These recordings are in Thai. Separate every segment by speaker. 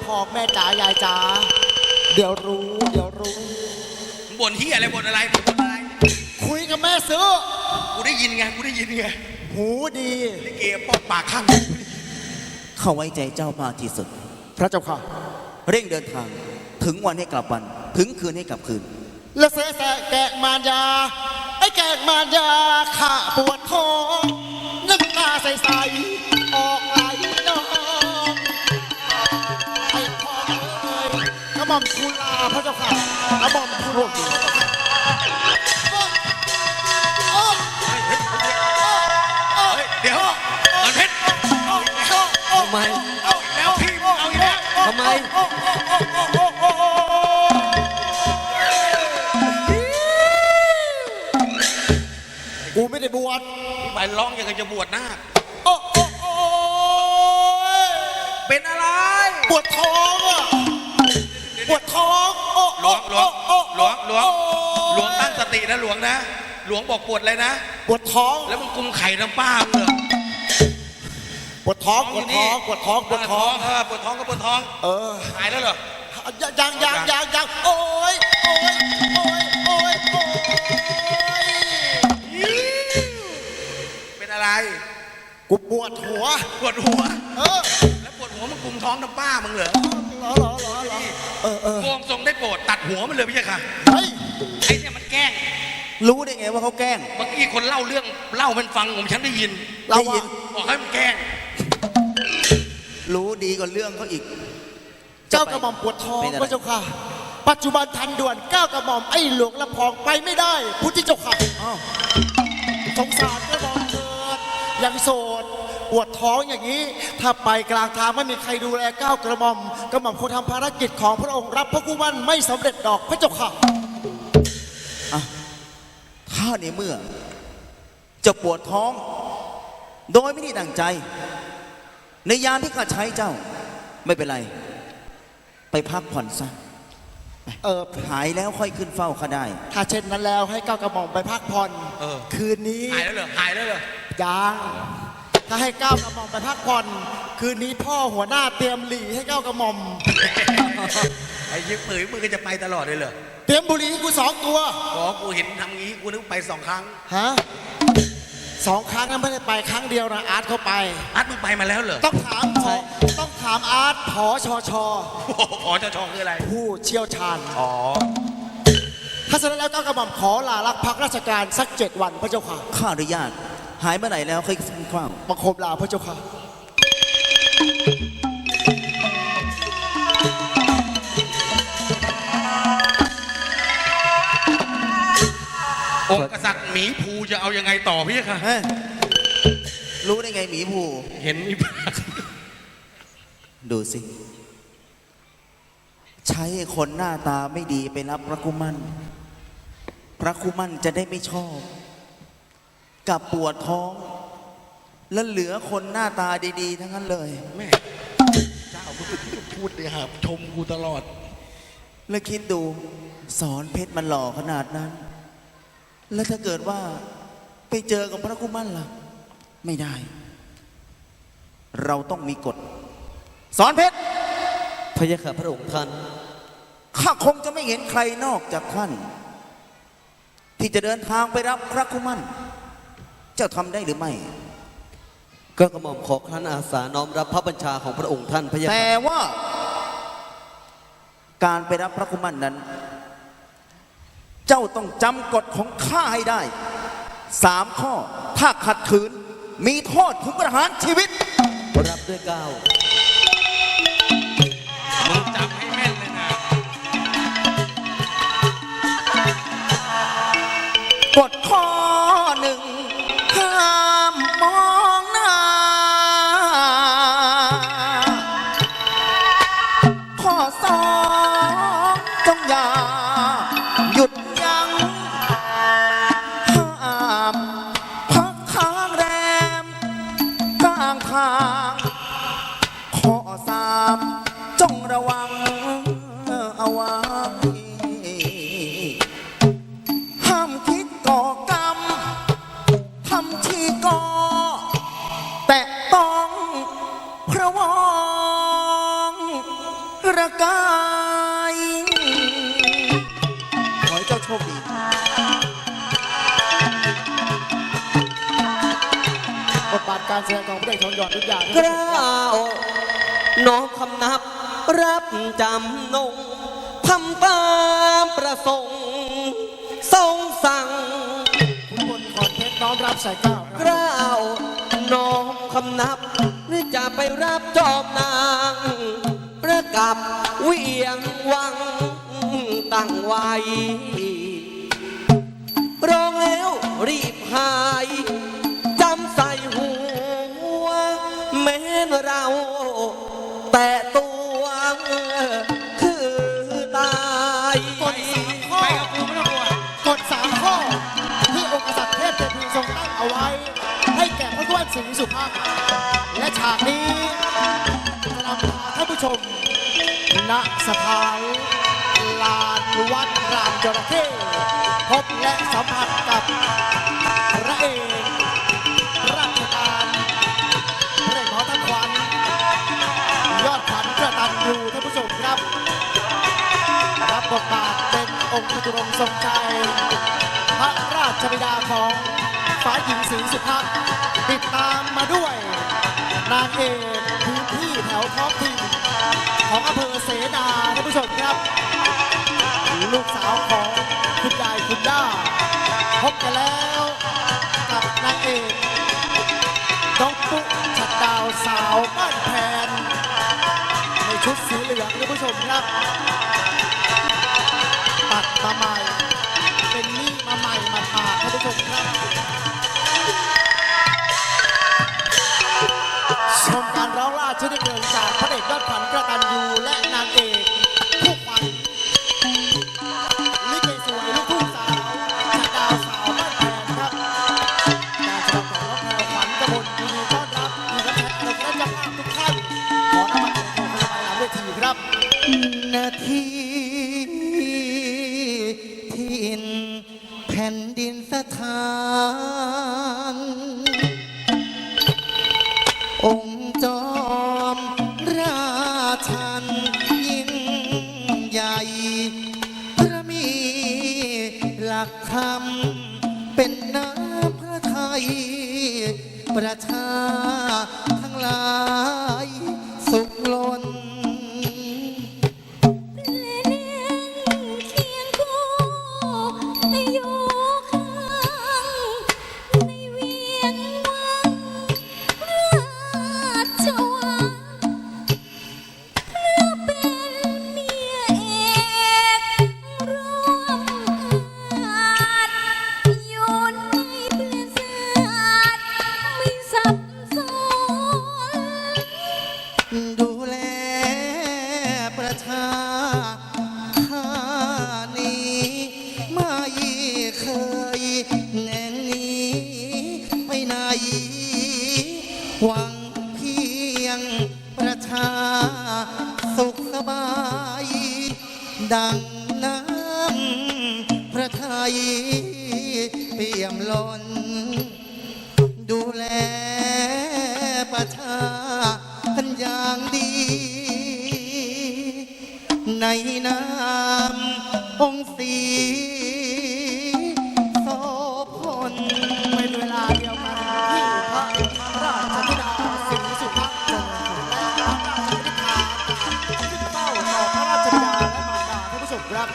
Speaker 1: ทองแม่จ๋ายายจ๋าเดี๋ยวรู้
Speaker 2: บ่นที่อะไรบ่นอะไรบ่นอะไร
Speaker 1: คุยกับแม่ซื้อ
Speaker 2: กูได้ยินไง
Speaker 1: หูดี
Speaker 2: ลิเกปอกปากข้าง
Speaker 3: เข้าไว้ใจเจ้ามากที่สุด
Speaker 1: พระเจ้าค่ะ
Speaker 3: เร่งเดินทางถึงวันให้กลับวันถึงคืนให้กลับคืน
Speaker 1: และเสแสแกะมารยาไอ้แกะมารยาข้าปวดท้องน้ำตาใสๆออกไหลนองไอ้พ่อเอ้ยกระหม่อมทูลลาพระเจ้าค่ะกระหม่อมทูลลา
Speaker 2: เดี๋ยวมันเพชร
Speaker 4: ทำไม
Speaker 2: เอาแล้วพี่เอาอีกแล้ว
Speaker 4: ทำไม
Speaker 1: กูไม่ได้บวช
Speaker 2: พี่ไปร้องอย่างกับจะบวชหน้า
Speaker 1: โอ้
Speaker 2: เป็นอะไร
Speaker 1: ปวดท้องอ่ะปวดท้อง
Speaker 2: หลวงตั้งสตินะหลวงนะหลวงบอกปวดอะไรนะ
Speaker 1: ปวดท้อง
Speaker 2: แล้วมึงกุมไข่น้ำป้ามึงเหรอ
Speaker 1: ปวดท้อง
Speaker 2: ปวดท้องก็ปวดท้องหายแล้วเหรอ
Speaker 1: ยังโอ้ย
Speaker 2: เป็นอะไร
Speaker 1: กูปวดหัว
Speaker 2: แล้วปวดหัวมึงกุมท้องน้ำป้ามึงเหรอโกงทรงได้โปรดตัดหัวมันเลยพี่ค่ะไอ้เนี่ยมันแกล้ง
Speaker 3: รู้ได้ไงว่าเขาแกล้ง
Speaker 2: เมื่อกี้คนเล่าเรื่องเล่ามันฟังผมฉันได้ยินบอกให้มันแกล้ง
Speaker 3: รู้ดีกว่าเรื่องเขาอีก
Speaker 1: เจ้ากระหม่อมปวดท้องพระเจ้าค่ะปัจจุบันทันด่วนก้าวกระหม่อมไอ้หลวงลำพองไปไม่ได้พุทธเจ้าค่ะสงสารกระหม่อมเถิดยังโสดปวดท้องอย่างนี้ถ้าไปกลางทางไม่มีใครดูแลก้าวกระหม่อมคงทำภารกิจของพระองค์รับพระกุมันไม่สำเร็จดอกพระเจ้าค่ะ
Speaker 3: ถ้าในเมื่อจะปวดท้องโดยไม่ได้ดั่งใจในยามที่ข้าใช้เจ้าไม่เป็นไรไปพักผ่อนซะหายแล้วค่อยขึ้นเฝ้าข้าได้
Speaker 1: ถ้าเช่นนั้นแล้วให้ก้าวกระหม่อมไปพักผ่อนคืนนี้
Speaker 2: หายแล้วเหรอ
Speaker 1: ยังถ้าให้ก้าวกระหม่อมไปพักผ่อนคืนนี้พ่อหัวหน้าเตรียมหลีให้ก้าวกระหม่อม
Speaker 2: ไอ้ยิ้มปืนมึงก็จะไปตลอดเลยเหรอ
Speaker 1: เตรียมบุหรี่ให้กู2 ตัว
Speaker 2: กูเห็นทำงี้กูนึกไป2 ครั้ง
Speaker 1: ฮะ2 ครั้งนั้นไม่ได้ไปครั้งเดียวนะอาร์ตเขาไป
Speaker 2: อาร์ตมึงไปมาแล้วเหรอ
Speaker 1: ต้องถามอาร์ตผชช
Speaker 2: คืออะไร
Speaker 1: ผู้เชี่ยวชาญถ้าเสร็จแล้วก้าวกระหม่อมขอลาลักพักราชการสัก7 วันพระเจ้าค่ะ
Speaker 3: ข้าอนุญาตหายเมื่อไหร่แล้วค่อยขึ้นเฝ้า
Speaker 1: บังคมลาพระเจ้าค่ะ
Speaker 2: องค์กษัตริย์หมีภูจะเอายังไงต่อพี่ค่ะ
Speaker 3: รู้ได้ไงหมีภู
Speaker 2: เห็นมีปาก
Speaker 3: ดูสิใช้คนหน้าตาไม่ดีไปรับพระกุมันจะได้ไม่ชอบกับปวดท้องแล้วเหลือคนหน้าตาดีๆทั้งนั้นเลย
Speaker 2: แม่เจ้าพูดเลยครับชมกูตลอด
Speaker 3: แล้วคิดดูสอนเพชรมันหล่อขนาดนั้นแล้วถ้าเกิดว่าไปเจอกับพระกุมันล่ะไม่ได้เราต้องมีกฎสอนเพชร
Speaker 4: พระยาค่ะพระองค์ท่าน
Speaker 3: ข้าคงจะไม่เห็นใครนอกจากท่านที่จะเดินทางไปรับพระกุมันเจ้าทำได้หรือไม่
Speaker 4: ก็กระหม่อมขอครั้นอาสาน้อมรับพระบัญชาของพระองค์ท่านพระยาค่ะ
Speaker 3: แต่ว่าการไปรับพระกุมันนั้นเจ้าต้องจำกฎของข้าให้ได้3 ข้อถ้าขัดขืนมีโทษถึงประหารชีวิต
Speaker 4: รับด้วยเกล้า
Speaker 2: มึงจำให้แม่นเลยนะ
Speaker 3: กฎข้อ 1ห้ามมองหน้าข้อ 2จงอย่าหยุดข้อ 3จงระวังเอาไว้ห้ามคิดก่อกรรมทำที่ก่อแต่ต้องพระวงประกายขอให้เจ้าโชคดี
Speaker 1: บทบาทการแสดงของพระเอกทองหยอดทุกอย่าง
Speaker 4: กล้าวน้อมคำนับรับจำนงทำตามประสงค์ทรงสั่ง
Speaker 1: คุณพลขอนเพชรน้อมรับสายเก้าก
Speaker 4: ล้าวน้อมคำนับหรือจะไปรับจอมนางประกับเวียงวังตั้งไว้ร้องแล้วรีบหายจำใส่หัวแม้นเราแต่ตัวคือตาย
Speaker 1: กฎ3 ข้อ
Speaker 2: ไปกับกูไม่ต้องกลัว
Speaker 1: กฎ3 ข้อ ที่องค์กษัตริย์เทพเทพีทรงตั้งเอาไว้ ให้แก่พระด้วนศรีสุภาพและฉากนี้จะนำพาท่านผู้ชมณสถานลานวัดรามจระเข้พบและสัมผัสกับพระเอกราชการพระเอกหมอท่านขวัญยอดขวัญกระตันยูท่านผู้ชมครับ รับบทบาทเป็นองค์จตุรงค์ทรงชัยพระราชบิดาของฝ่ายหญิงศรีสุภาพติดตามมาด้วยนางเอกพื้นที่แถวท้องถิ่นของอำเภอเสนาท่านผู้ชมครับ ลูกสาวของคุณยายคุณย่าพบกันแล้วกับนางเอกน้องปุ๊ชัดดาวสาวบ้านแพนในชุดสีเหลืองท่านผู้ชมครับ ตัดมาใหม่เป็นนี่มาใหม่มาผ่าท่านผู้ชมครับชมการร้องล่าชนิดเพลิงจากพระเอกยอดขวัญกระตันยูและนางเอกคู่ขวัญลิเกสวยลูกทุ่งสาวชาดาวสาวบ้านแพงครับการแสดงของน้องแพรวขวัญกมลยินดีต้อนรับมีนักแสดงและเจ้าภาพทุกท่านขอนำมาเป็นของพยาบาลหลังเวทีครับ
Speaker 5: นาทีทินแผ่นดินสถานองค์จอมราชันยิ่งใหญ่พระมีหลักธรรมเป็นน้ำพระทัยประชาทั้งหลายสุขล้น
Speaker 6: เคียงคู่อยู่ข้างในเวียงวังราชวังเพื่อเป็นเมียเอกร่วมอาจอยู่ในเพื่อนศาสตร์ไม่สับสน
Speaker 5: ดูแลประชาข้านี้ไม่เคยแน่หนีไปไหน หวังเพียงประชาสุขสบาย ดังน้ำพระทัยเปี่ยมล้น ดูแลประชากันอย่างดี ในนามองค์ศรีโสพล
Speaker 1: เป็นเวลาเดียวกันที่พระราชธิดาศรีสุภาพจงและพระราชธิดาขึ้นเฝ้าต่อพระราชบิดาและมารดาท่านผู้ชมครับ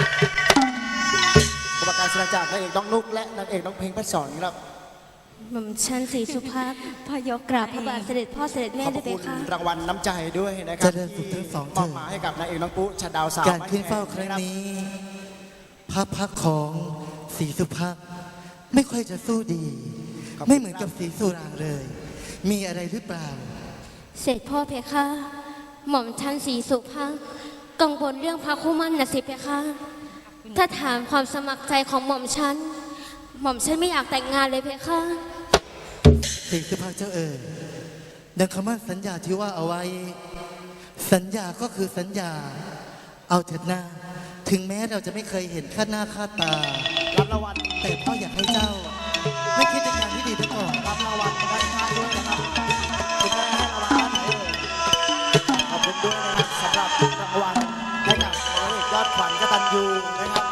Speaker 1: อุปการแสดงจากนางเอกน้องนุกและนางเอกน้องเพลงพัดสอนครับ
Speaker 6: หม่อมชันศรีสุภาพพยกกราบพระบาทเสด็จพ่อเสด็จแม่
Speaker 1: ขอบ
Speaker 6: ได้ไหม
Speaker 1: คุณ
Speaker 6: คะ
Speaker 1: รางวัลน้ำใจด้วยนะครั
Speaker 5: เจริญสุขทั้งสอง
Speaker 1: ม
Speaker 5: เถิ
Speaker 1: อบ
Speaker 5: ด
Speaker 1: หมายให้กับนางเอกน้องปุ๊ชัดดาวสาว
Speaker 5: การขึ้นเฝ้าครั้งนี้ พระพักตร์ของศรีสุภาพไม่ค่อยจะสู้ดี ไม่เหมือนกับศรีสุรางเลย มีอะไรหรือเปล่า
Speaker 6: เสด็จพ่อเพคะ หม่อมชันศรีสุภาพกังวลเรื่องพระคู่มั่นนะสิเพคะ ถ้าถามความสมัครใจของหม่อมชันไม่อยากแต่งงานเลยเพคะ
Speaker 5: ศรีสุภาพเจ้าดังคำมั่นสัญญาที่ว่าเอาไว้ สัญญาก็คือสัญญา เอาเถิดหน้า ถึงแม้เราจะไม่เคยเห็นค่าหน้าค่าตา
Speaker 1: รับรางวัล
Speaker 5: แต่พ่ออยากให้เจ้า ไม่คิดในการที่ดีไปก่อน
Speaker 1: รับรางวัลด้านข้างด้วยนะครับคุณแม่ให้รางวัลด้านไหนเอ่ยขอบคุณด้วยนะครับสำหรับรางวัล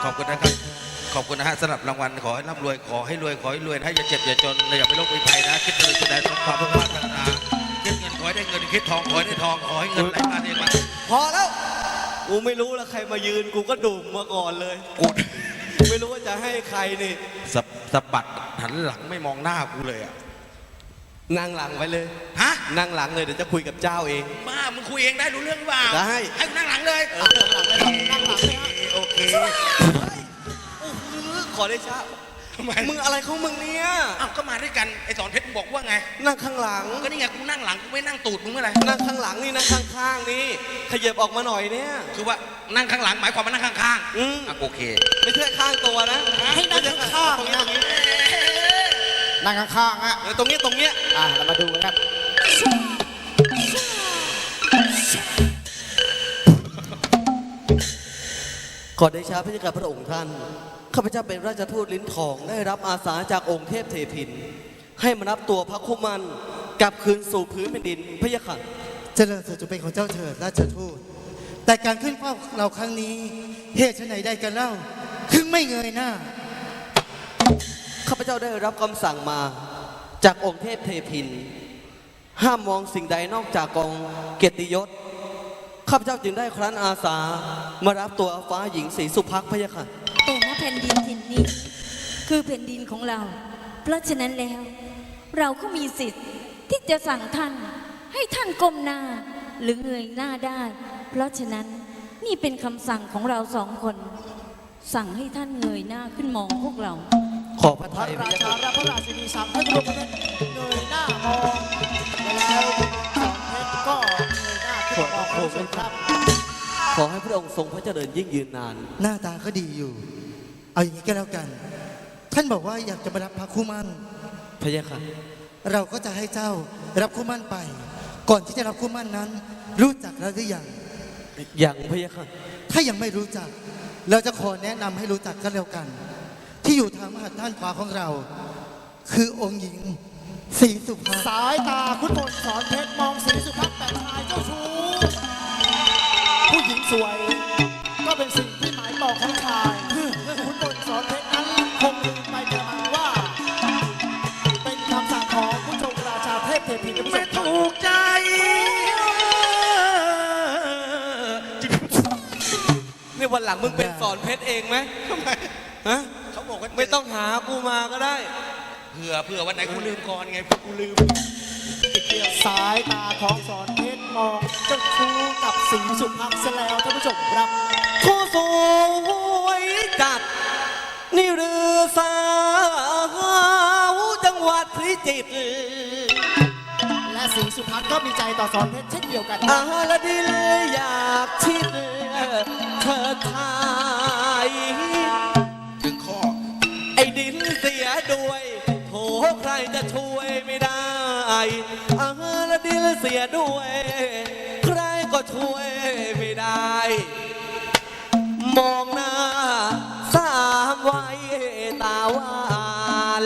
Speaker 2: อบคุณนะครับ ขอบคุณนะฮะสำหรับรางวัลขอให้ร่ำรวยขอให้รวยขอให้รวยนะอย่าเจ็บอย่าจนอย่าไปโรคไปภัยนะคิดเลยคิดใดสมความมุ่งมั่นปรารถนาคิดเงินขอให้ได้เงินคิดทองขอให้ได้ทองขอให้เงินไหลมาเทมา
Speaker 4: พอแล้ว กูไม่รู้แล้วใครมายืน กูก็ดุ่มมาก่อนเลย
Speaker 2: กู
Speaker 4: ไม่รู้ว่าจะให้ใครนี่
Speaker 2: สะบัดหันหลังไม่มองหน้ากูเลยอ่ะ
Speaker 4: นั่งหลังไปเลย
Speaker 2: ฮะ
Speaker 4: นั่งหลังเลยเดี๋ยวจะคุยกับเจ้าเอง
Speaker 2: บ้ามึงคุยเองได้รู้เรื่องหรือเปล่า
Speaker 4: ได้
Speaker 2: ให้กูนั่งหลังเลยโอเค
Speaker 4: ขอได้ช้า
Speaker 2: ทำไม
Speaker 4: มึงอะไรของมึงเนี่ย
Speaker 2: อ้าวก็มาด้วยกันไอ้สอนเพชรมึงบอกว่าไง
Speaker 4: นั่งข้างหลัง
Speaker 2: ก็นี่ไงกูนั่งหลังกูไม่นั่งตูดมึงเมื่อไหร่
Speaker 4: นั่งข้างหลังนี่นั่งข้างๆนี่ขยับออกมาหน่อยเนี่ย
Speaker 2: คือว่านั่งข้างหลังหมายความว่านั่งข้าง
Speaker 4: อืม
Speaker 2: ๆอ่ะโอเค
Speaker 4: ไม่ใช่ข้างตัวนะ
Speaker 1: ให้นั่งข้าง
Speaker 4: ตรง
Speaker 1: ๆ
Speaker 4: นี้
Speaker 1: นะ
Speaker 4: ตรงนี้
Speaker 1: นั่งข้างๆอ่ะ
Speaker 4: ตรงนี้ตรงเนี้ย
Speaker 1: เรามาดูกันครับ
Speaker 4: ขอได้ช้าพระเจ้ากับพระองค์ท่านข้าพเจ้าเป็นราชทูตลิ้นทองได้รับอาสาจากองค์เทพเทพิน ให้มารับตัวพระคุมันกลับคืนสู่พื้นแผ่นดินพระยะค่ะ
Speaker 5: เจริญสุขจะเป็นของเจ้าเถิดราชทูตแต่การขึ้นเฝ้าเราครั้งนี้เหตุไฉนใดกันเล่าถึงไม่เงยหน้า
Speaker 4: ข้าพเจ้าได้รับคำสั่งมาจากองค์เทพเทพิน ห้ามมองสิ่งใดนอกจากกองเกียรติยศข้าพเจ้าจึงได้ครั้นอาสามารับตัวฟ้าหญิงศรีสุภักดิ์พระยะค่ะ
Speaker 6: แต่ณแผ่นดินถิ่นนี้คือแผ่นดินของเรา เพราะฉะนั้นแล้ว เราก็มีสิทธิ์ที่จะสั่งท่านให้ท่านก้มหน้าหรือเงยหน้าได้ เพราะฉะนั้นนี่เป็นคำสั่งของเราสองคน สั่งให้ท่านเงยหน้าขึ้นมองพวกเรา
Speaker 4: ขอพระ
Speaker 1: พระ
Speaker 4: ทัยพระ
Speaker 1: ราย
Speaker 4: ะ
Speaker 1: ชา
Speaker 4: ค่ะ
Speaker 1: และพระราชินีสั่งให้ทุกคนเงยหน้ามองแล้วสอนเพชรก็เงยหน้าขึ้นมองพระสุครับ
Speaker 4: ขอให้พระองค์ทรงพระเจริญยิ่งยืนนาน
Speaker 5: หน้าตาก็ดีอยู่ เอาอย่างนี้ก็แล้วกัน ท่านบอกว่าอยากจะมารับพระคู่มั่น
Speaker 4: พระยะค่ะ
Speaker 5: เราก็จะให้เจ้ารับคู่มั่นไป ก่อนที่จะรับคู่มั่นนั้น รู้จักแล้วหรือยัง
Speaker 4: อย่างพระยะค่ะ
Speaker 5: ถ้ายังไม่รู้จัก เราจะขอแนะนำให้รู้จักกันแล้วกัน ที่อยู่ทางมหัดด้านขวาของเรา คือองค์หญิงศรีสุภา
Speaker 1: สายตาคุณพลสอนเพชรมองสีสุภาพแต่ชายเจ้าชู้ผู้หญิงสวย ก็เป็นสิ่งที่หมายปองของชายคุณพลสอนเพชรนั้นคงลืมไปกระมังว่า เป็นคำสั่งของผู้ชมราชาเทพเทพีนะผู้ช
Speaker 2: ไม่
Speaker 1: ม
Speaker 2: ถูกใจ
Speaker 4: นี่วันหลังมึงเป็นสอนเพชรเองไหม
Speaker 2: ทำไม
Speaker 4: ฮะ
Speaker 2: เขาบอกว่า
Speaker 4: ไม่ต้องหากูมาก็ได้
Speaker 2: เผื่อวันไหนกูลืมก่อนไงเผื่อกูลืม
Speaker 1: สายตาของสอนเพชรมองเจ้าชู้กับสีสุภาพเสียแล้วท่านผู้ชมครับ
Speaker 4: ผู้สวยจัด นี่หรือสาวจังหวัดพิจิตร
Speaker 1: และสีสุภาพก็มีใจต่อสอนเพชรเช่นเดียวกัน
Speaker 4: อาละดินอยากชิดเธอทาย
Speaker 2: ถึงข้อ
Speaker 4: ไอ้ดินเสียด้วยโถใครจะช่วยไม่ได้อาละดินเสียด้วย ใครก็ช่วยไม่ได้ มองหน้าสามไว้ตาหวาน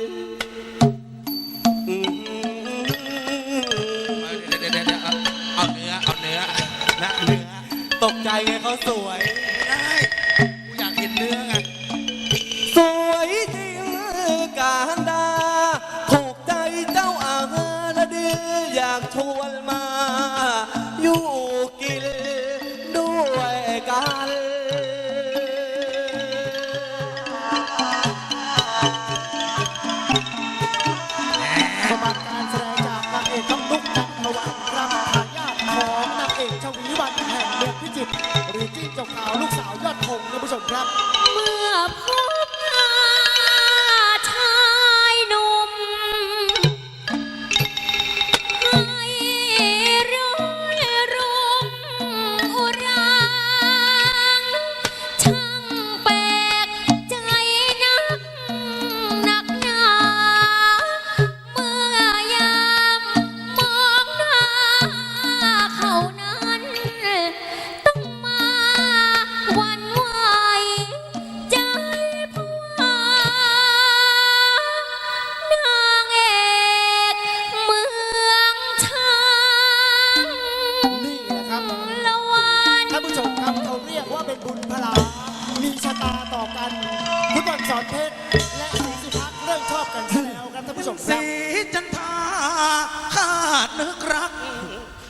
Speaker 2: เดี๋ยวเอาเนื้อนะเนื้อ
Speaker 4: ตกใจไงเขาสวย
Speaker 2: ไม่ได้กูอยากเห็นเนื้อไง
Speaker 4: สวยจริงการดาถูกใจเจ้าอาละดินอยากชวนมา อยู่กินด้วยกัน
Speaker 1: สมบัติการแสดงจากนางเอกน้องนุ๊กนันทวันครับทายาทของนางเอกชวีวันแห่งเมืองพิจิตรหรือจิ้งจกขาวลูกสาวยอดธงท่านผู้ชมครับ
Speaker 6: เมื่อพบหน้าชายหนุ่มให้ร้อยรุมอุราช่างแปลกใจนักหนาเมื่อยามมองหน้าเขานั้น ต้องมาหวันไหวใจ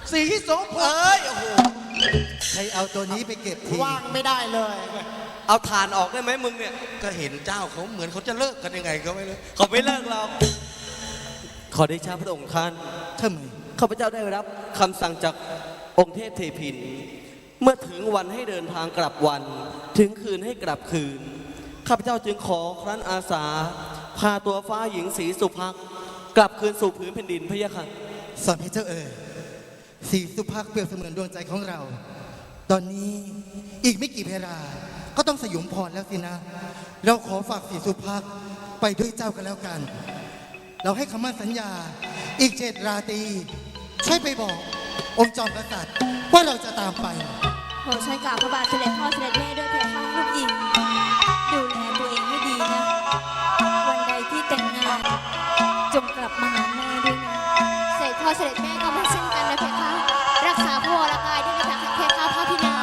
Speaker 2: สีโสพล
Speaker 4: เอ้ย โอ้โห
Speaker 5: ใครเอาตัวนี้ไปเก็บที
Speaker 1: ว่างไม่ได้เลย
Speaker 4: เอาฐานออกได้ไหมมึงเนี่ย
Speaker 2: ก็เห็นเจ้าเขาเหมือนเขาจะเลิกกันยังไงก็ไม่รู้
Speaker 4: เขาไม่เลิกเรา ขอได้ชาพระองค์ท่าน
Speaker 5: ทำไม
Speaker 4: ข้าพเจ้าได้รับคำสั่งจากองค์เทพเทพิน เมื่อถึงวันให้เดินทางกลับวัน ถึงคืนให้กลับคืน ข้าพเจ้าจึงขอครั้นอาสา พาตัวฟ้าหญิงศรีสุภักดิ์กลับคืนสู่ผืนแผ่นดินพะยะค่ะ
Speaker 5: สอนให้เจ้าสีสุภาพเปรียบเสมือนดวงใจของเรา ตอนนี้อีกไม่กี่เวลาก็ต้องสยุมพรแล้วสินะ เราขอฝากสีสุภาพไปด้วยเจ้ากันแล้วกัน เราให้คำมั่นสัญญาอีก7 ราตรีช่วยไปบอกองค์จอมกษัตริย์ว่าเราจะตามไป
Speaker 6: ขอฉันกราบพระบาทสมเด็จพ่อเสด็จแม่ด้วยเพคะลูกหญิงดูแลตัวเองให้ดีนะ วันใดที่แต่งงานจงกลับมาหาแม่ด้วยนะเสด็จพ่อเสด็จแม่ก็ไม่เช่นกันนะเพคะรักษาพระวรกายด้วยนะเพคะพระพินาง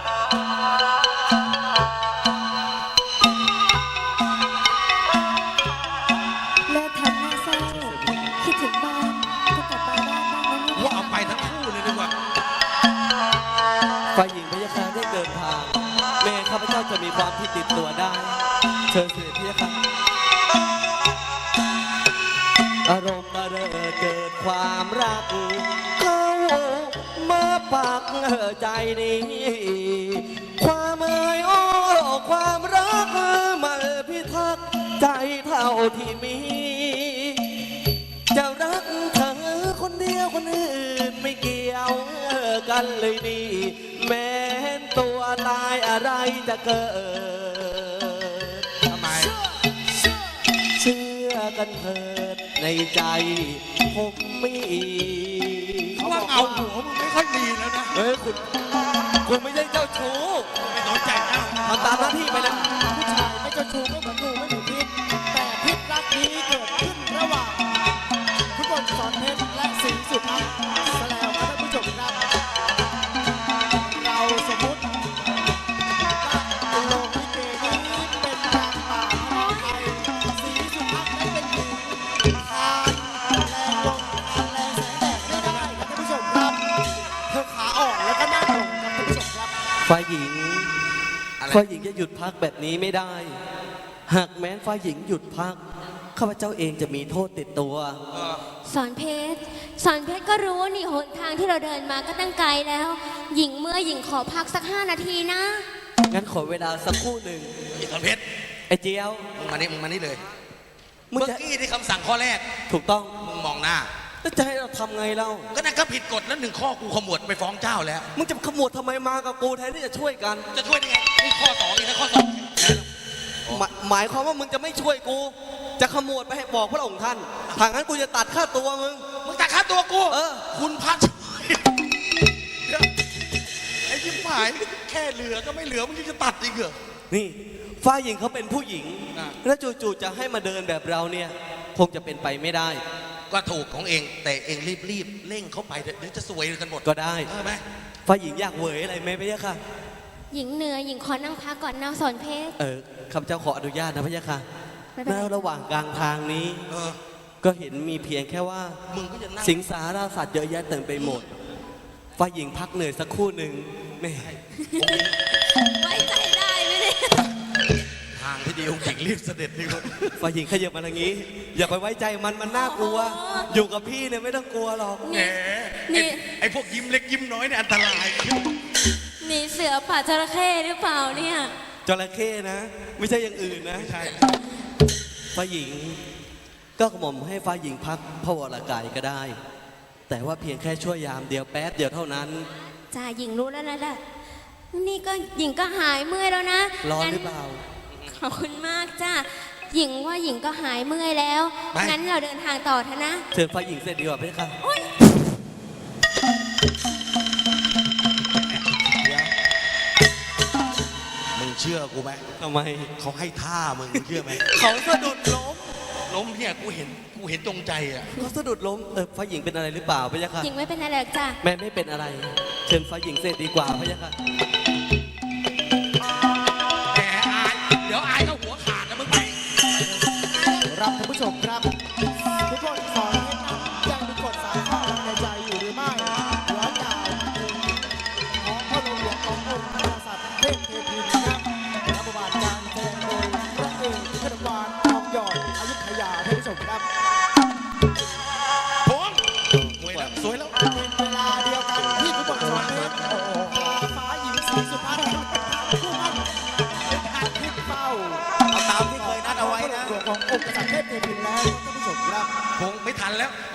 Speaker 6: เลิกทำหน้าเศร้าคิดถึงบ้านก็กลับบ้านบ้างนะลูก
Speaker 2: ว่าเอาไปทั้งคู่เลยดีกว่า
Speaker 4: ฝ่ายหญิงพะยะค่ะได้เดินทาง แม่ข้าพเจ้าจะมีความที่ติดตัวได้ เชิญเสด็จพะยะค่ะอารมณ์ระเริดเกิดความรัก เข้ามาปักใจนี้ ความเอ่ยอ้อความรักมาพิทักษ์ใจเท่าที่มี จะรักเธอคนเดียวคนอื่นไม่เกี่ยวกันเลยดีแม้นตัวตายอะไรจะเกิด
Speaker 2: ทำไม
Speaker 4: เชื่อกันเถิดในใจผมมี
Speaker 2: ว่าเอาหัวมึงไม่ค่อยดีแล้วนะ
Speaker 4: เฮ้ยคุณไม่ใช่เจ้าชู้
Speaker 2: ไม่สนใจเอ้า
Speaker 4: ทำตามหน้าที่ไปนะ
Speaker 1: ผู้ชายไม่เจ้าชู้ไม่เหมือนงูไม่เหมือนพิษแต่พิษรักนี้เกิดขึ้นระหว่างคุณบอลสอนเพชรและสิงห์สุภาพซะแล้วครับท่านผู้ชมครับเราสมมุติว่าโลกลิเกนี้เป็นนางป่าพระไทยสิงห์สุภาพได้เป็นหญิงทานแรงลมทานแรงแสงแดดไม่ได้ครับท่านผู้ชมครับเธอขาอ่อนแล้วก็นั่งลงครับท่านผู้ชมครับ
Speaker 4: ฝ่ายหญิงจะหยุดพักแบบนี้ไม่ได้ หากแม้นฝ่ายหญิงหยุดพักข้าพเจ้าเองจะมีโทษติดตัว
Speaker 6: สอนเพชรก็รู้นี่หนทางที่เราเดินมาก็ตั้งไกลแล้ว หญิงเมื่อหญิงขอพักสัก5 นาทีนะ
Speaker 4: งั้นขอเวลาสักครู่หนึ่ง
Speaker 2: อีกคนเพชร
Speaker 4: ไอ้เจียว
Speaker 2: มึงมานี่เลย
Speaker 4: มึง
Speaker 2: เมื่อ
Speaker 4: จะ
Speaker 2: กี้ที่คำสั่งข้อแรก
Speaker 4: ถูกต้อง
Speaker 2: มึงมองหน้า
Speaker 4: แล้วจะให้เราทำไงเล่า
Speaker 2: ก็นั่นก็ผิดกฎแล้ว1 ข้อกูขมวดไปฟ้องเจ้าแล้ว
Speaker 4: มึงจะขมวดทำไมมากับกูแทนที่จะช่วยกัน
Speaker 2: จะช่วยได้ไงนี่ข้อ2อีกนะข้อ2
Speaker 4: หมายความว่ามึงจะไม่ช่วยกู จะขมวดไปให้บอกพระองค์ท่านถ้างั้นกูจะตัดค่าตัวมึง
Speaker 2: มึงตัดค่าตัวกู
Speaker 4: เออ
Speaker 2: คุณพระช่วยเดี๋ยวไอ้ยิ้มหายแค่เหลือก็ไม่เหลือมึงยังจะตัดอีกเหรอ
Speaker 4: นี่ฝ้ายหญิงเขาเป็นผู้หญิง
Speaker 2: อ่ะ
Speaker 4: แล้วจู่ๆจะให้มาเดินแบบเราเนี่ยคงจะเป็นไปไม่ได้
Speaker 2: ก็ถูกของเองแต่เองรีบเร่งเข้าไปเดี๋ยวจะสวยกันหมด
Speaker 4: ก็ได้
Speaker 2: เออไหม
Speaker 4: ฝ้ายหญิงอยากเหวยอะไรไหมพี่ยะค่ะ
Speaker 6: หญิงเหนื่อยหญิงขอนั่งพักก่อนนะสอนเพชร
Speaker 4: ข้าพเจ้าขออนุญาตนะพี่ยะค่ะ
Speaker 6: ไม่เป็นไร
Speaker 4: แล้วระหว่างกลางทางนี้
Speaker 2: เออ
Speaker 4: ก็เห็นมีเพียงแค่ว่า
Speaker 2: มึงก็จะนั่ง
Speaker 4: สิงสาราสัตว์เยอะแยะเต็มไปหมดฝ้ายหญิงพักเหนื่อยสักครู่หนึ่งแม่
Speaker 6: ไว้ใจได้ไหมเนี่ย
Speaker 2: ทางที่ดีองค์หญิงรีบเสด็จดีกว่า
Speaker 4: ฝ่ายหญิงขยับมาทางนี้ อย่าไปไว้ใจมันน่ากลัว อยู่กับพี่เนี่ยไม่ต้องกลัวหรอก
Speaker 2: แหมไอ้พวกยิ้มเล็กยิ้มน้อยเนี่ยอันตราย
Speaker 6: หนีเสือป่าจระเข้หรือเปล่าเนี่ย
Speaker 4: จระเข้นะ ไม่ใช่อย่างอื่นนะ
Speaker 2: ใช่
Speaker 4: ฝ่ายหญิง ก็กระหม่อมให้ฝ่ายหญิงพักพระวรกายก็ได้ แต่ว่าเพียงแค่ชั่วยามเดียวแป๊บเดียวเท่านั้น
Speaker 6: จ้าหญิงรู้แล้วนะล่ะนี่ก็หญิงก็หายเมื่อยแล้วนะ
Speaker 4: ร้อน
Speaker 6: งั้
Speaker 4: หรือเปล่า
Speaker 6: ขอบคุณมากจ้าหญิงว่าหญิงก็หายเมื่อยแล้ว งั้นเราเดินทางต่อเถอะนะ
Speaker 4: เชิญฝ่ายหญิงเสร็จดีกว่าพี่ค่ะ
Speaker 6: โอ๊ย
Speaker 2: มึงเชื่อกูไหม
Speaker 4: ทำไม
Speaker 2: เขาให้ท่ามึงเชื่อไหม
Speaker 4: เขาสะดุดล้ม
Speaker 2: ล้มเนี่ยกูเห็นตรงใจอ่ะ
Speaker 4: เขาสะดุดล้มฝ่ายหญิงเป็นอะไรหรือเปล่าพี่ค่ะ
Speaker 6: หญิงไม่เป็นอะไรหรอกจ้า
Speaker 4: แม่ไม่เป็นอะไร เชิญฝ่ายหญิงเสร็จดีกว่าพี่ค่ะ
Speaker 2: แหมอายเดี๋ยวอายก็หัวขาดนะมึงไป
Speaker 1: รับท่านผู้ชมครับทุกคนสอนให้นำยังมีกฎสายข้อในใจอยู่หรือไม่หลัง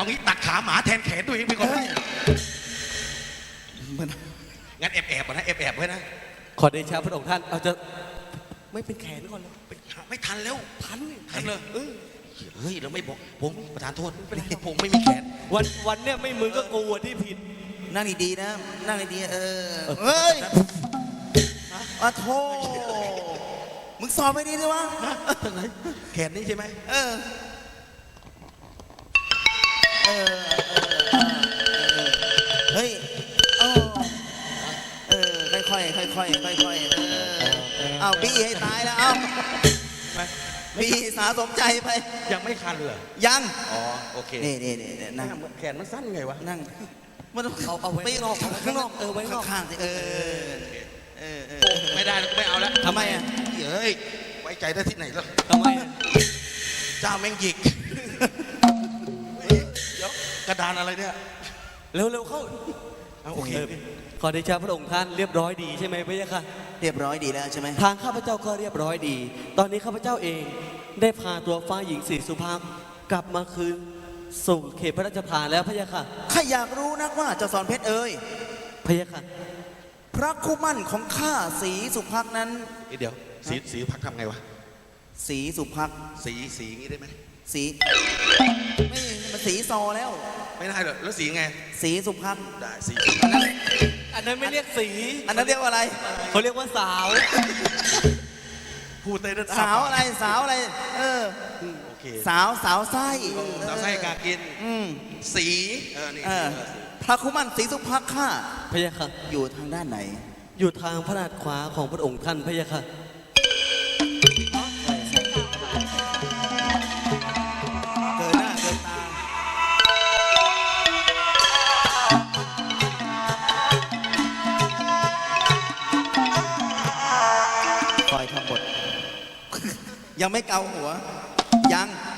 Speaker 2: เอางี้ตัดขาหมาแทนแขนตัวเองไปก่อน
Speaker 5: มัน
Speaker 2: งั้นแอบๆนะแอบไว้นะ
Speaker 4: ขอเดชะพระองค์ท่านเอาจะไม่เป็นแขนก่อนเลย
Speaker 2: ไม่ทันแล้ว
Speaker 4: ทัน
Speaker 2: ทันเลยเฮ้ยเราไม่บอกผมประธานโทษไม่เป็นไรผมไม่มีแขน
Speaker 4: วันเนี่ยไม่มึงก็กูอะที่ผิด
Speaker 3: นั่งดีๆนะ นั่งดีๆ
Speaker 5: เฮ้ย
Speaker 3: อะโธ่มึงสอบไม่ดีเลยวะ
Speaker 2: ทางไหนแขนนี่ใช่ไหม
Speaker 3: เออเฮ้ยค่อยๆค่อยๆค่อยๆเอาบี้ให้ตายแล้วเอาบี้สาสมใจไป
Speaker 2: ยังไม่คันเลย
Speaker 3: ยัง
Speaker 2: อ๋อโอเค
Speaker 3: นี่นั่ง
Speaker 2: แขนมันสั้นไงวะ
Speaker 3: นั่งมัน
Speaker 4: เอาไว้
Speaker 3: ไปนอก
Speaker 4: ข้างนอกไว้ข้างนอก
Speaker 3: ข้างๆสิ
Speaker 2: ไม่ได้แล้วไม่เอาแล้ว
Speaker 3: ทำไมอ่ะ
Speaker 2: เฮ้ยไว้ใจได้ที่ไหนล่ะ
Speaker 4: ทำไมอะ
Speaker 2: เจ้าแม่งหยิกเดี๋ยวกระดานอะไรเนี่ย
Speaker 4: เร็วๆเข้า
Speaker 2: เอาโอเค
Speaker 4: ขอเดชะพระองค์ท่านเรียบร้อยดีใช่ไหมพระยะค่ะ
Speaker 3: เรียบร้อยดีแล้วใช่ไหม
Speaker 4: ทางข้าพเจ้าก็เรียบร้อยดี ตอนนี้ข้าพเจ้าเองได้พาตัวฟ้าหญิงศรีสุภาพกลับมาคืนสู่เขตพระราชฐานแล้วพระยะค่ะ
Speaker 3: ข้าอยากรู้นักว่าเจ้าสอนเพชรเอ่ย
Speaker 4: พระยะค่ะ
Speaker 3: พระคู่มั่นของข้าศรีสุภักดิ์นั้น
Speaker 2: เดี๋ยวสีพักทำไงวะ
Speaker 3: ศรีสุภักดิ์
Speaker 2: สีงี้ได้ไหม
Speaker 3: ศรีไม่มันศรีซอแล้ว
Speaker 2: ไม่ได้เหรอแล้วสีไง
Speaker 3: ศรีสุภักดิ์
Speaker 2: ได้สี
Speaker 4: อันนั้นไม่เรียกสี
Speaker 3: อันนั้นเรียกว่าอะไร
Speaker 4: เขาเรียกว่าสาว
Speaker 2: พูดเต้น
Speaker 3: สาวอะไรสาวอะไร
Speaker 2: โอเค
Speaker 3: สาวไส้
Speaker 2: สาวไส้กากิน สีนี่
Speaker 3: พระคู่มั่นศรีสุภักดิ์ข้า
Speaker 4: พระยะค่ะ
Speaker 3: อยู่ทางด้านไหน
Speaker 4: อยู่ทางพระนาถขวาของพระองค์ท่านพระยะค่ะ
Speaker 3: เกินหน้าเกินตาคอยทำบท ยังไม่เกาหัว ยัง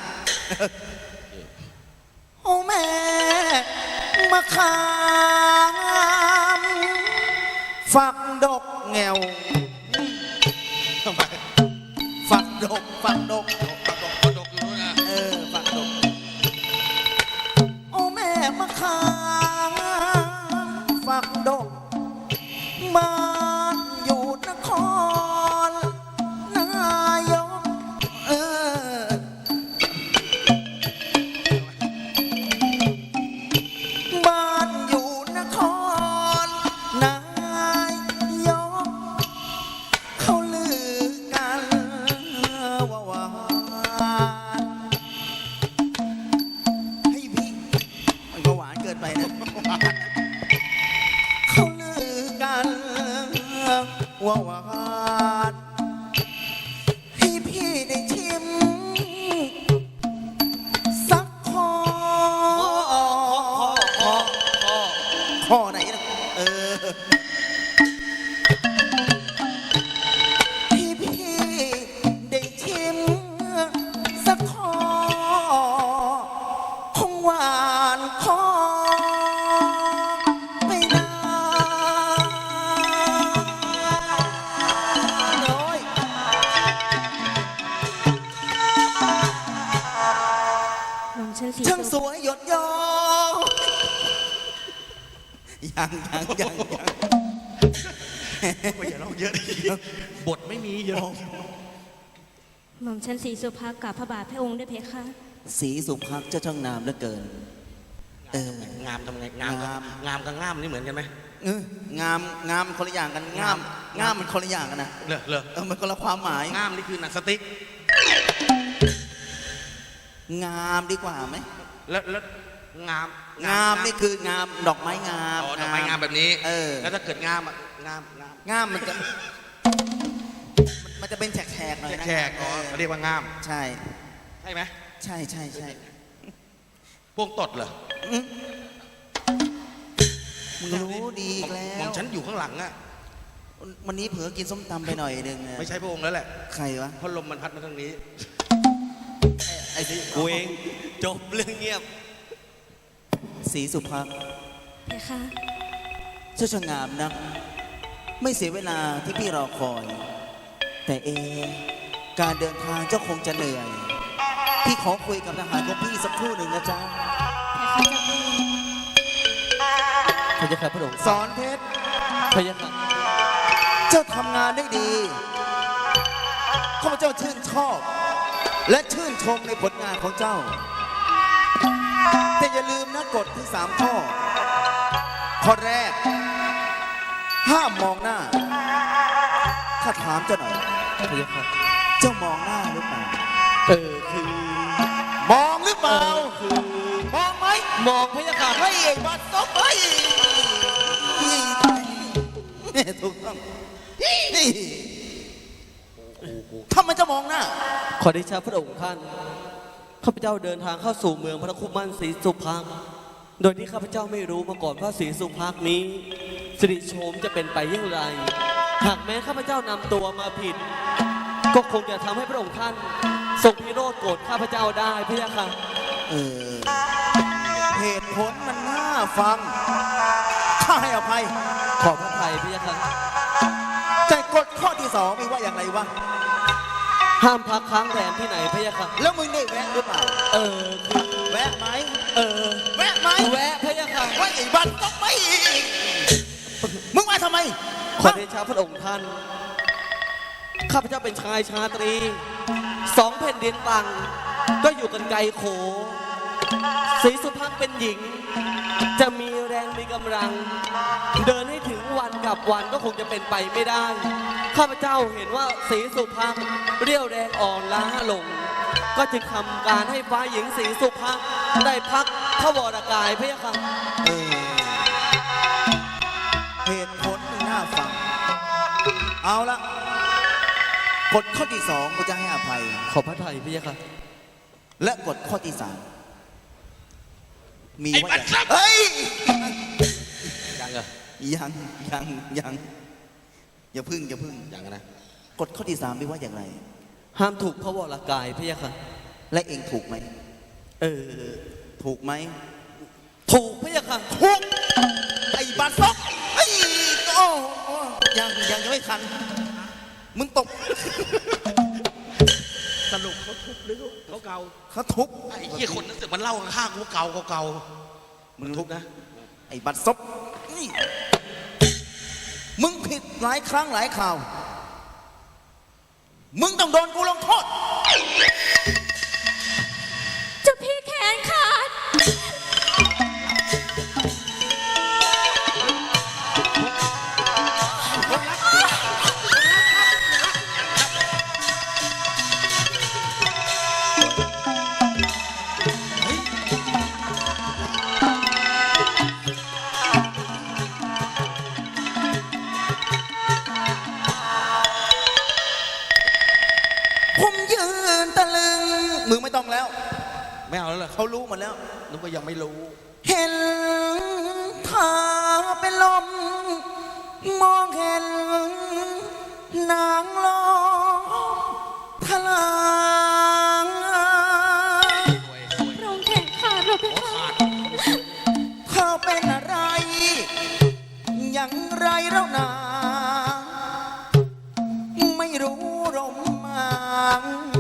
Speaker 3: โอ้แม่มะขามฝักดกแงว
Speaker 2: ทำไม
Speaker 3: ฝักดก ฝักดก
Speaker 2: ดกอยู่นู้นนะ
Speaker 3: ฝักดก โอ้แม่มะขามฝักดกมาอยู่นครนายกบ้านอยู่นครนายกเขาลือกันว่าหวานให้พี่มันก็หวานเกินไปนะ เขาลือกันว่าหวานให้พี่ได้ชิมสักคอข้อไหนนะให้พี่ได้ชิมสักคอคงหวานคอไม่นานน้อย
Speaker 6: หม่อมฉันสี
Speaker 3: ช่างส
Speaker 6: สุ
Speaker 3: วยหยดย้อยยัง
Speaker 2: ไม่อย่าเล่าเยอะดิบทไม่มีเยอะ
Speaker 6: หม่อมฉันสีสุภาพกับพระบาทพระองค์ด้วยเพคะ
Speaker 3: ศรีสุภักดิ์เจ้าช่างงามเหลือเกิน
Speaker 2: งามทำไงงามกับง่ามนี่เหมือนกันไหม
Speaker 3: งามคนละอย่างกันงามมันคนละอย่างกันนะ
Speaker 2: เลอ
Speaker 3: มันคนละความหมาย
Speaker 2: ง่ามนี่คือหนังสติ๊ก
Speaker 3: งามดีกว่าไหม
Speaker 2: แล้วงาม
Speaker 3: งามนี่คืองามดอกไม้งาม
Speaker 2: อ๋อดอกไม้งามแบบนี้
Speaker 3: แล้ว
Speaker 2: ถ้าเกิดงามอ่ะงาม
Speaker 3: งามมันจะเป็นแฉกๆหน่อยนะ
Speaker 2: แขกอ๋อเขาเรียกว่างาม
Speaker 3: ใช่
Speaker 2: ใช่ไหม
Speaker 3: ใช่
Speaker 2: พวกตดเหรอ
Speaker 3: มึงรู้ดีอีกแล้
Speaker 2: หม่อ
Speaker 3: ว
Speaker 2: มฉันอยู่ข้างหลังอ่ะ
Speaker 3: วันนี้เผลอกินส้มตำไปหน่อยหนึง
Speaker 2: ไม่ใช่พระองค์แล้วแหละ
Speaker 3: ใครวะ
Speaker 2: เพราะลมมันพัดมาทางนี้
Speaker 3: ไอ้สิ
Speaker 4: กูเองจบเรื่องเงียบ
Speaker 3: ศรีสุภักดิ์
Speaker 6: เพคะ
Speaker 3: เจ้าช่างงามนัก ไม่เสียเวลาที่พี่รอคอย แต่การเดินทางเจ้าคงจะเหนื่อย พี่ขอคุยกับทหารของพี่สักครู่หนึ่งนะจ๊ะ
Speaker 6: เพค
Speaker 4: พระยาค่ะพระองค์
Speaker 3: สอนเพชร
Speaker 4: พระยาค่ะ
Speaker 3: เจ้าทำงานได้ดีข้าพเจ้าชื่นชอบ และชื่นชมในผลงานของเจ้า แต่อย่าลืมนะกฎที่3 ข้อ ข้อแรก ห้ามมองหน้า ข้าถามเจ้าหน่อย
Speaker 4: พระยาค่ะ
Speaker 3: เจ้ามองหน้าหรือเปล่า
Speaker 4: คือ
Speaker 3: มองหรือเปล่า มองไหม
Speaker 4: มองพระยาค่ะ
Speaker 3: เฮ้ยไอ้บัตรซบเฮ้ยนี่ถูกต้องนี่ทำไมจะมองหน้า
Speaker 4: ขอเดชะพระองค์ท่านข้าพเจ้าเดินทางเข้าสู่เมืองพระคุมันศรีสุภักดิ์โดยที่ข้าพเจ้าไม่รู้มาก่อนว่าศรีสุภักดิ์นี้สิริโฉมจะเป็นไปอย่างไร หากแม้ข้าพเจ้านำตัวมาผิด ก็คงจะทำให้พระองค์ท่านทรงพิโรธโกรธข้าพเจ้าได้พระยาค่ะ
Speaker 3: เหตุผลมันน่าฟัง ข้าให้อภัย
Speaker 4: ขอพระทัยพระยาค่ะ
Speaker 3: แต่กฎข้อที่2มีว่าอย่างไรวะ
Speaker 4: ห้ามพักค้างแรมที่ไหนพระยาค่ะ
Speaker 3: แล้วมึงได้แวะหรือเปล่า
Speaker 4: คือ
Speaker 3: แวะไหม แวะไหม
Speaker 4: แวะพระยาค่ะ
Speaker 3: ว่าไอ้บัตรต้องไม่อีกมึงมาทำไม
Speaker 4: ขอเดชะพระองค์ท่าน ข้าพเจ้าเป็นชายชาตรี2 แผ่นดินต่างก็อยู่กันไกลโขศรีสุภักดิ์เป็นหญิง จะมีแรงมีกำลัง เดินให้ถึงวันกับวันก็คงจะเป็นไปไม่ได้ ข้าพเจ้าเห็นว่าศรีสุภักดิ์เรี่ยวแรงอ่อนล้าลง ก็จึงทำการให้ฟ้าหญิงศรีสุภักดิ์ได้พักพระวรกายพระยาค่ะ
Speaker 3: เหตุผลมันน่าฟัง เอาละกฎข้อที่2กูจะให้อภัย
Speaker 4: ขอพระทัยพระยาค่ะ
Speaker 3: และกฎข้อที่3มี
Speaker 2: ไอ้
Speaker 3: ว่า
Speaker 2: บั
Speaker 3: อ
Speaker 2: ต
Speaker 3: ย่าร ง
Speaker 2: ซบ
Speaker 3: เฮ้ย
Speaker 2: ยังเหรอ
Speaker 3: ยังอย่าพึ่ง
Speaker 2: ยังนะ
Speaker 3: กฎข้อที่3มีว่าอย่างไร
Speaker 4: ห้ามถูกพระวรกายพระยาค่ะ
Speaker 3: และเองถูกไหม ถูกไหม
Speaker 4: ถูกพระยาค่ะ
Speaker 3: ถูกไอ้บัตรซบไอ้โอ้ยังไม่ทันมึงตก
Speaker 2: สรุปเขาทุบหรือเขาเกา
Speaker 3: เขาทุบ
Speaker 2: ไอ้เหี้ยคนนั้นสึกมันเล่าข้างๆกูเกา
Speaker 3: มึงทุบนะ ไอ้บัตรซบนี่มึงผิดหลายครั้งหลายข่าว มึงต้องโดนกูลงโทษ
Speaker 6: เจ้าพี่แขนขาด
Speaker 3: ผมยืนตะลึง มึงไม่ต้องแล้ว
Speaker 2: ไม่เอาแล้วเหรอ
Speaker 3: เขารู้หมดแล้ว
Speaker 2: นึกว่ายังไม่รู้
Speaker 3: เห็นเธอเป็นลม มองเห็นนางลอยทลาง
Speaker 6: พระองค์แขนขาดเราไปค่ะ
Speaker 3: เธอเป็นอะไร อย่างไรแล้วนา ไม่รู้รมมาง